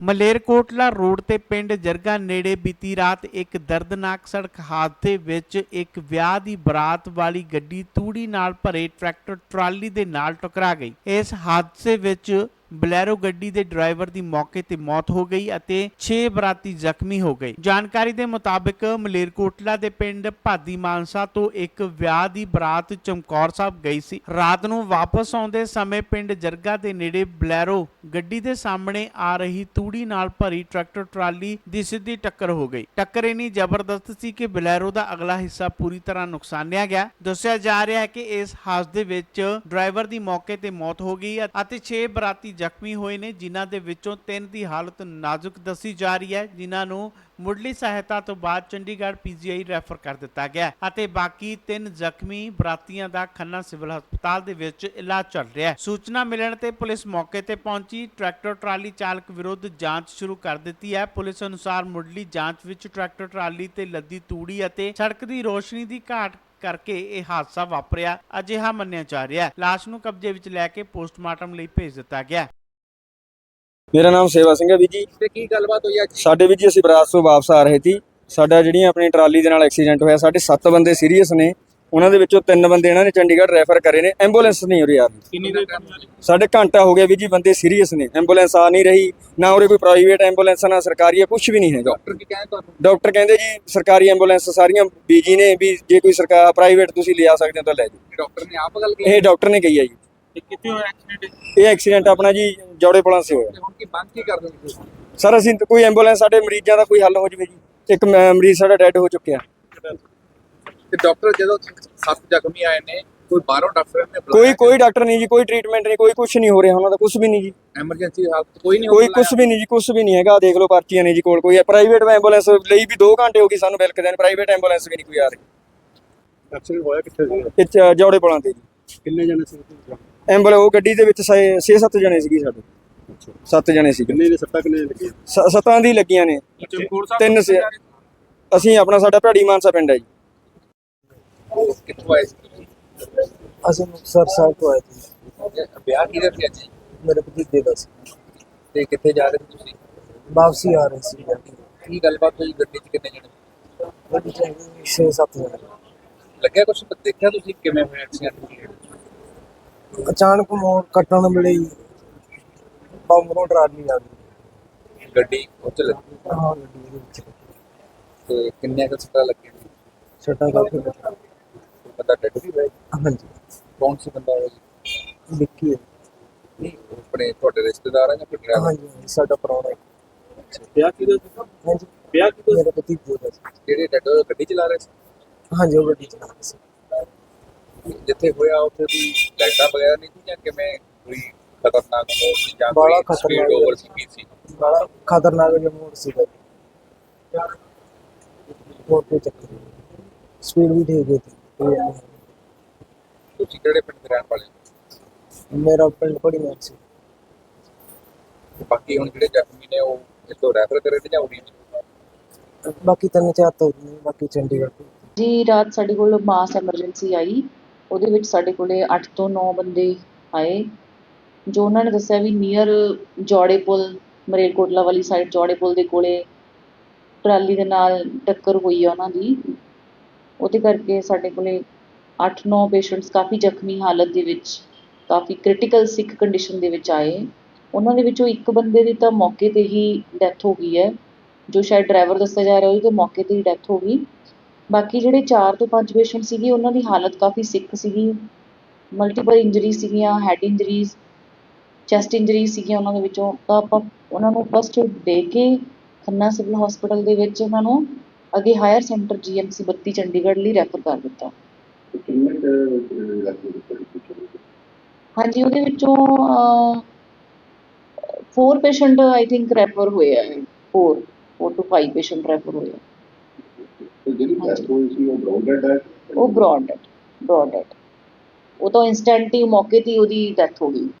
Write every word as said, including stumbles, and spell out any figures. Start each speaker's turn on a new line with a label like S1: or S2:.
S1: Malerkotla road ਤੇ ਪਿੰਡ ਜਰਗਾ ਨੇੜੇ ਬੀਤੀ ਰਾਤ ਇੱਕ ਦਰਦਨਾਕ ਸੜਕ ਹਾਦਸੇ ਵਿੱਚ ਇੱਕ ਵਿਆਹ ਦੀ ਬਰਾਤ ਵਾਲੀ ਗੱਡੀ ਤੂੜੀ ਨਾਲ ਭਰੇ ਟਰੈਕਟਰ ਟਰਾਲੀ ਦੇ ਨਾਲ ਟਕਰਾ ਗਈ। ਇਸ ਹਾਦਸੇ ਵਿੱਚ ਬਲੈਰੋ ਗੱਡੀ ਦੇ ਡਰਾਈਵਰ ਦੀ ਮੌਕੇ ਤੇ ਮੌਤ ਹੋ ਗਈ ਅਤੇ ਛੇ ਬਰਾਤੀ ਜ਼ਖਮੀ ਹੋ ਗਏ। ਜਾਣਕਾਰੀ ਦੇ ਮੁਤਾਬਕ ਮਲੇਰਕੋਟਲਾ ਦੇ ਪਿੰਡ ਭਾਦੀ ਮਾਨਸਾ ਤੋਂ ਇੱਕ ਵਿਆਹ ਦੀ ਬਰਾਤ ਚਮਕੌਰ ਸਾਹਿਬ ਗਈ ਸੀ। ਰਾਤ ਨੂੰ ਵਾਪਸ ਆਉਂਦੇ ਸਮੇਂ ਪਿੰਡ ਜਰਗਾ ਦੇ ਨੇੜੇ ਬਲੈਰੋ ਗੱਡੀ ਦੇ ਸਾਹਮਣੇ ਆ ਰਹੀ ਤੂੜੀ ਨਾਲ ਭਰੀ ਟਰੈਕਟਰ ਟਰਾਲੀ ਦੀ ਸਿੱਧੀ ਟੱਕਰ ਹੋ ਗਈ। ਟੱਕਰ ਇੰਨੀ ਜ਼ਬਰਦਸਤ ਸੀ ਕਿ ਬਲੈਰੋ ਦਾ ਅਗਲਾ ਹਿੱਸਾ ਪੂਰੀ ਤਰ੍ਹਾਂ ਨੁਕਸਾਨਿਆ ਗਿਆ। ਦੱਸਿਆ ਜਾ ਰਿਹਾ ਹੈ ਕਿ ਇਸ ਹਾਦਸੇ ਵਿੱਚ ਡਰਾਈਵਰ ਦੀ ਮੌਕੇ ਤੇ ਮੌਤ ਹੋ ਗਈ ਅਤੇ ਛੇ ਬਰਾਤੀ ਜ਼ਖਮੀ ਹੋਏ ਨੇ, ਜਿਨ੍ਹਾਂ ਦੇ ਵਿੱਚੋਂ ਤਿੰਨ ਦੀ ਹਾਲਤ ਨਾਜ਼ੁਕ ਦੱਸੀ ਜਾ ਰਹੀ ਹੈ, ਜਿਨ੍ਹਾਂ ਨੂੰ ਮੁੱਢਲੀ ਸਹਾਇਤਾ ਤੋਂ ਬਾਅਦ ਚੰਡੀਗੜ੍ਹ ਪੀਜੀਆਈ ਰੈਫਰ ਕਰ ਦਿੱਤਾ ਗਿਆ ਅਤੇ ਬਾਕੀ ਤਿੰਨ ਜ਼ਖਮੀ ਬਰਾਤੀਆਂ ਦਾ ਖੰਨਾ ਸਿਵਲ ਹਸਪਤਾਲ ਦੇ ਵਿੱਚ ਇਲਾਜ ਚੱਲ ਰਿਹਾ ਹੈ। ਸੂਚਨਾ ਮਿਲਣ ਤੇ ਪੁਲਿਸ ਮੌਕੇ ਤੇ ਪਹੁੰਚੀ ਟਰੈਕਟਰ ਟਰਾਲੀ ਚਾਲਕ ਵਿਰੁੱਧ ਜਾਂਚ ਸ਼ੁਰੂ ਕਰ ਦਿੱਤੀ ਹੈ। ਪੁਲਿਸ ਅਨੁਸਾਰ ਮੁੱਢਲੀ ਜਾਂਚ ਵਿੱਚ ਟਰੈਕਟਰ ਟਰਾਲੀ ਤੇ ਲੱਦੀ ਤੂੜੀ ਅਤੇ ਸੜਕ ਦੀ ਰੋਸ਼ਨੀ ਦੀ ਘਾਟ ਕਰਕੇ ਇਹ ਹਾਦਸਾ ਵਾਪਰਿਆ ਅਜਿਹਾ ਮੰਨਿਆ ਜਾ ਰਿਹਾ ਹੈ। ਲਾਸ਼ ਨੂੰ ਕਬਜ਼ੇ ਵਿੱਚ ਲੈ ਕੇ ਪੋਸਟਮਾਰਟਮ ਲਈ ਭੇਜ ਦਿੱਤਾ ਗਿਆ।
S2: ਮੇਰਾ ਨਾਮ ਸੇਵਾ ਸਿੰਘ ਹੈ ਵੀ ਜੀ।
S3: ਤੇ ਕੀ ਗੱਲਬਾਤ ਹੋਈ ਅੱਜ?
S2: ਸਾਡੇ ਵੀ ਜੀ ਅਸੀਂ ਬਰਾਤ ਤੋਂ ਵਾਪਸ ਆ ਰਹੇ ਸੀ। ਸਾਡਾ ਜਿਹੜੀਆਂ ਆਪਣੀ ਟਰਾਲੀ ਦੇ ਨਾਲ ਐਕਸੀਡੈਂਟ ਹੋਇਆ, ਸਾਡੇ ਸੱਤ ਬੰਦੇ ਸੀਰੀਅਸ ਨੇ, ਉਹਨਾਂ ਦੇ ਵਿੱਚੋਂ ਤਿੰਨ ਬੰਦੇ ਇਹਨਾਂ ਨੇ ਚੰਡੀਗੜ੍ਹ ਰੈਫਰ ਕਰੇ ਨੇ। ਐਂਬੂਲੈਂਸ ਨਹੀਂ ਉਰੇ ਆ ਰਹੀ।
S3: ਕਿੰਨੀ ਦੇਰ
S2: ਸਾਡੇ ਘੰਟਾ ਹੋ ਗਿਆ ਵੀ ਜੀ, ਬੰਦੇ ਸੀਰੀਅਸ ਨੇ, ਐਂਬੂਲੈਂਸ ਆ ਨਹੀਂ ਰਹੀ। ਨਾ ਉਰੇ ਕੋਈ ਪ੍ਰਾਈਵੇਟ ਐਂਬੂਲੈਂਸ ਨਾ ਸਰਕਾਰੀ, ਕੁਝ ਵੀ ਨਹੀਂ ਹੈਗਾ।
S3: ਡਾਕਟਰ ਕੀ ਕਹਿੰਦੇ ਤੁਹਾਨੂੰ?
S2: ਡਾਕਟਰ ਕਹਿੰਦੇ ਜੀ ਸਰਕਾਰੀ ਐਂਬੂਲੈਂਸ ਸਾਰੀਆਂ ਬੀਜੀ ਨੇ, ਵੀ ਜੇ ਕੋਈ ਸਰਕਾਰ ਪ੍ਰਾਈਵੇਟ ਤੁਸੀਂ ਲਿਆ ਸਕਦੇ ਹੋ ਤਾਂ ਲੈ ਜਾਓ।
S3: ਡਾਕਟਰ ਨੇ ਆਪ ਗੱਲ ਕੀਤੀ?
S2: ਇਹ ਡਾਕਟਰ ਨੇ ਕਹੀ ਹੈ ਜੀ।
S3: ਤੇ ਕਿੱਥੇ ਹੋਇਆ ਐਕਸੀਡੈਂਟ?
S2: ਇਹ ਐਕਸੀਡੈਂਟ ਆਪਣਾ ਜੀ ਜੌੜੇ ਪੁਲਾਂ ਸੇ ਹੋਇਆ।
S3: ਤੇ ਹੁਣ ਕੀ ਮੰਗ ਕੀ ਕਰਦੇ ਹੋ ਤੁਸੀਂ?
S2: ਸਰ ਅਸੀਂ ਤਾਂ ਕੋਈ ਐਂਬੂਲੈਂਸ, ਸਾਡੇ ਮਰੀਜ਼ਾਂ ਦਾ ਕੋਈ ਹੱਲ ਹੋ ਜਵੇ ਜੀ। ਇੱਕ ਮ- ਮਰੀਜ਼ ਸਾਡਾ ਡੈਡ ਹੋ ਚੁੱਕਿਆ।
S3: ਤੇ ਡਾਕਟਰ ਜਦੋਂ ਸੱਤ ਜ਼ਖਮੀ ਆਏ ਨੇ, ਕੋਈ ਬਾਹਰੋਂ ਡਾਕਟਰ ਨੇ
S2: ਕੋਈ ਕੋਈ ਡਾਕਟਰ ਨਹੀਂ ਜੀ, ਕੋਈ ਟ੍ਰੀਟਮੈਂਟ ਨਹੀਂ, ਕੋਈ ਕੁਝ ਨਹੀਂ ਹੋ ਰਿਹਾ ਉਹਨਾਂ ਦਾ, ਕੁਝ ਵੀ ਨਹੀਂ ਜੀ।
S3: ਐਮਰਜੈਂਸੀ ਹਾਲਤ ਕੋਈ ਨਹੀਂ
S2: ਕੋਈ ਕੁਝ ਵੀ ਨਹੀਂ ਜੀ, ਕੁਝ ਵੀ ਨਹੀਂ ਹੈਗਾ। ਦੇਖ ਲਓ ਪਰਚੀਆਂ ਨੇ ਜੀ ਕੋਲ। ਕੋਈ ਪ੍ਰਾਈਵੇਟ ਐਂਬੂਲੈਂਸ ਲਈ ਵੀ ਦੋ ਘੰਟੇ ਹੋ ਗਏ ਸਾਨੂੰ ਬਿਲਕਦੇ ਨੇ, ਪ੍ਰਾਈਵੇਟ ਐਂਬੂਲੈਂਸ ਵੀ ਨਹੀਂ ਕੋਈ ਆ ਰਹੀ।
S3: ਐਕਸੀਡੈਂਟ ਹੋਇਆ ਕਿੱਥੇ ਸੀ?
S2: ਇਹ 'ਚ ਜੌੜੇ ਪੁਲਾਂ ਤੇ ਜੀ।
S3: ਕਿੰਨੇ ਜਣੇ ਸੀ?
S2: ਐਂਬੂਲੈਂਸ ਉਹ ਗੱਡੀ ਦੇ ਵਿੱਚ ਛੇ ਸੱਤ ਜਣੇ ਸੀਗੇ ਸਾਡੇ। ਸੱਤ ਜਣੇ ਸੀ।
S3: ਕਿੰਨੇ ਦੇ ਸੱਟਾਂ ਕਿੰਨੇ ਲੱਗੀਆਂ?
S2: ਸੱਤਾਂ ਦੀ ਲੱਗੀਆਂ ਨੇ।
S3: ਚਮਕੌਰ ਸਾਹਿਬ
S2: ਤਿੰਨ ਸੇ ਅਸੀਂ ਆਪਣਾ ਸਾਡਾ ਭੈੜੀ ਮਾਨਸਾ ਪਿੰਡ ਹੈ ਜੀ।
S3: ਕਿੱਥੋਂ ਆਏ ਸੀ?
S4: ਅਸੀਂ ਮੁਕਤਸਰ ਸਾਹਿਬ ਤੋਂ ਆਏ ਸੀ।
S3: ਵਿਆਹ ਕਿਹਦੇ ਸੀ ਅੱਜ?
S4: ਮੇਰੇ ਭਤੀਜੇ ਦਾ ਸੀ।
S3: ਤੇ ਕਿੱਥੇ ਜਾ ਰਹੇ ਸੀ ਤੁਸੀਂ?
S4: ਵਾਪਸੀ ਆ ਰਹੇ ਸੀ।
S3: ਕੀ ਗੱਲਬਾਤ ਹੋਈ ਗੱਡੀ 'ਚ? ਕਿੰਨੇ ਜਣੇ?
S4: ਗੱਡੀ ਚ ਹੈਗੇ ਛੇ ਸੱਤ ਜਣੇ।
S3: ਲੱਗਿਆ ਕੁਝ? ਦੇਖਿਆ ਤੁਸੀਂ ਕਿਵੇਂ ਹੋਇਆ ਐਕਸੀਡੈਂਟ?
S4: ਅਚਾਨਕ ਮੋੜ ਕੱਟਣ ਵੇਲੇ ਹੀ ਬੰਮਰੋਂ ਟਰਾਲੀ ਆ ਗਈ।
S3: ਗੱਡੀ ਉੱਚ ਲੱਗੀ
S4: ਹਾਂ ਗੱਡੀ ਦੇ ਵਿੱਚ
S3: ਤੇ ਕਿੰਨੇ ਕੁ ਸੱਟਾਂ ਲੱਗੀਆਂ?
S4: ਛੱਟਾ ਕਾਫੀ ਲੱਗਾ।
S3: ਬੰਦਾ ਡੈਡ ਵੀ ਹੋਇਆ?
S4: ਹਾਂਜੀ
S3: ਕੌਣ ਸੀ ਬੰਦਾ ਉਹ?
S4: ਵਿੱਕੀ ਹੈ।
S3: ਨਹੀਂ, ਆਪਣੇ ਤੁਹਾਡੇ ਰਿਸ਼ਤੇਦਾਰ ਆ ਜਾਂ ਕੋਈ ਡਰਾਈਵਰ?
S4: ਹਾਂਜੀ ਹਾਂਜੀ, ਸਾਡਾ ਪ੍ਰਾਹੁਣਾ ਹੈ।
S3: ਵਿਆਹ ਕਿਹਦਾ ਸੀ?
S4: ਹਾਂਜੀ
S3: ਵਿਆਹ ਕਿਹਦਾ?
S4: ਮੇਰੇ ਭਤੀਜੇ ਦਾ ਸੀ।
S3: ਜਿਹੜੇ ਡੈਡ ਗੱਡੀ ਚਲਾ ਰਹੇ ਸੀ?
S4: ਹਾਂਜੀ ਉਹ ਗੱਡੀ ਚਲਾ ਰਹੇ ਸੀ।
S3: ਜਿੱਥੇ ਹੋਇਆ ਉੱਥੇ ਦੀ ਲਾਈਟਾਂ ਵਗੈਰਾ ਨਹੀਂ ਸੀ ਜਾਂ ਕਿਵੇਂ? ਕੋਈ ਖਤਰਨਾਕ ਮੋੜ ਸੀ ਜਾਂ
S4: ਬੜਾ
S3: ਕੋਈ ਸਪੀਡ
S4: ਖਤਰਨਾਕ
S3: ਓਵਰ ਸੀ ਸੀ?
S4: ਬੜਾ ਖਤਰਨਾਕ ਜਿਹਾ ਮੋੜ ਸੀਗਾ। ਹੋਰ ਕੋਈ ਚੱਕਰ ਨਹੀਂ, ਸਪੀਡ ਵੀ ਠੀਕ ਹੈ।
S3: ਤੁਸੀਂ ਕਿਹੜੇ ਪਿੰਡ ਦੇ ਰਹਿਣ ਵਾਲੇ ਹੋ?
S4: ਮੇਰਾ ਪਿੰਡ ਪੜੀਆਂ ਸੀ।
S3: ਬਾਕੀ ਹੁਣ ਜਿਹੜੇ ਜ਼ਖਮੀ ਨੇ ਉਹ ਇੱਥੋਂ ਰੈਫਰ ਕਰੇ ਨੇ ਜਾਂ ਉਰੀ?
S4: ਬਾਕੀ ਤਿੰਨ ਚਾਰ ਤੋਂ ਬਾਕੀ ਚੰਡੀਗੜ੍ਹ ਤੋਂ।
S5: ਜੀ ਰਾਤ ਸਾਡੇ ਕੋਲ ਮਾਸ ਐਮਰਜੈਂਸੀ ਆਈ। ਉਹਦੇ ਵਿੱਚ ਸਾਡੇ ਕੋਲੇ ਅੱਠ ਤੋਂ ਨੌ ਬੰਦੇ ਆਏ, ਜੋ ਉਹਨਾਂ ਨੇ ਦੱਸਿਆ ਵੀ ਨੀਅਰ ਜੌੜੇ ਪੁਲ, ਮਲੇਰਕੋਟਲਾ ਵਾਲੀ ਸਾਈਡ ਜੌੜੇ ਪੁਲ ਦੇ ਕੋਲੇ ਟਰਾਲੀ ਦੇ ਨਾਲ ਟੱਕਰ ਹੋਈ ਆ ਉਹਨਾਂ ਦੀ। ਉਹਦੇ ਕਰਕੇ ਸਾਡੇ ਕੋਲੇ ਅੱਠ ਨੌ ਪੇਸ਼ੈਂਟਸ ਕਾਫੀ ਜ਼ਖਮੀ ਹਾਲਤ ਦੇ ਵਿੱਚ, ਕਾਫੀ ਕ੍ਰਿਟੀਕਲ ਸਿੱਕ ਕੰਡੀਸ਼ਨ ਦੇ ਵਿੱਚ ਆਏ। ਉਹਨਾਂ ਦੇ ਵਿੱਚੋਂ ਇੱਕ ਬੰਦੇ ਦੀ ਤਾਂ ਮੌਕੇ 'ਤੇ ਹੀ ਡੈਥ ਹੋ ਗਈ ਹੈ, ਜੋ ਸ਼ਾਇਦ ਡਰਾਈਵਰ ਦੱਸਿਆ ਜਾ ਰਿਹਾ ਉਹਦੀ ਤਾਂ ਮੌਕੇ 'ਤੇ ਹੀ ਡੈਥ ਹੋ ਗਈ। ਬਾਕੀ ਜਿਹੜੇ ਚਾਰ ਤੋਂ ਪੰਜ ਪੇਸ਼ੈਂਟ ਸੀਗੇ ਉਹਨਾਂ ਦੀ ਹਾਲਤ ਕਾਫੀ ਸਿੱਕ ਸੀਗੀ, ਮਲਟੀਪਲ ਇੰਜਰੀ ਸੀਗੀਆਂ, ਹੈਡ ਇੰਜਰੀਜ਼, ਚੈਸਟ ਇੰਜਰੀਜ਼ ਸੀਗੀਆਂ ਉਹਨਾਂ ਦੇ ਵਿੱਚੋਂ। ਤਾਂ ਆਪਾਂ ਉਹਨਾਂ ਨੂੰ ਫਸਟ ਏਡ ਦੇ ਕੇ ਖੰਨਾ ਸਿਵਲ ਹਸਪੀਟਲ ਦੇ ਵਿੱਚ ਉਹਨਾਂ ਨੂੰ ਅੱਗੇ higher centre G M C ਬੱਤੀ ਚੰਡੀਗੜ੍ਹ ਲਈ ਰੈਫਰ ਕਰ ਦਿੱਤਾ। ਹਾਂਜੀ ਉਹਦੇ ਵਿੱਚੋਂ four patient I think refer ਹੋਏ ਆ। Four four two five patient refer ਹੋਏ ਆ। ਉਹ ਬ੍ਰੌਡ ਡੈਡ, ਬ੍ਰੌਡ ਡੈਡ। ਉਹ ਤਾਂ ਇੰਸਟੈਂਟ ਹੀ ਮੌਕੇ 'ਤੇ ਹੀ ਉਹਦੀ ਡੈਥ ਹੋ ਗਈ।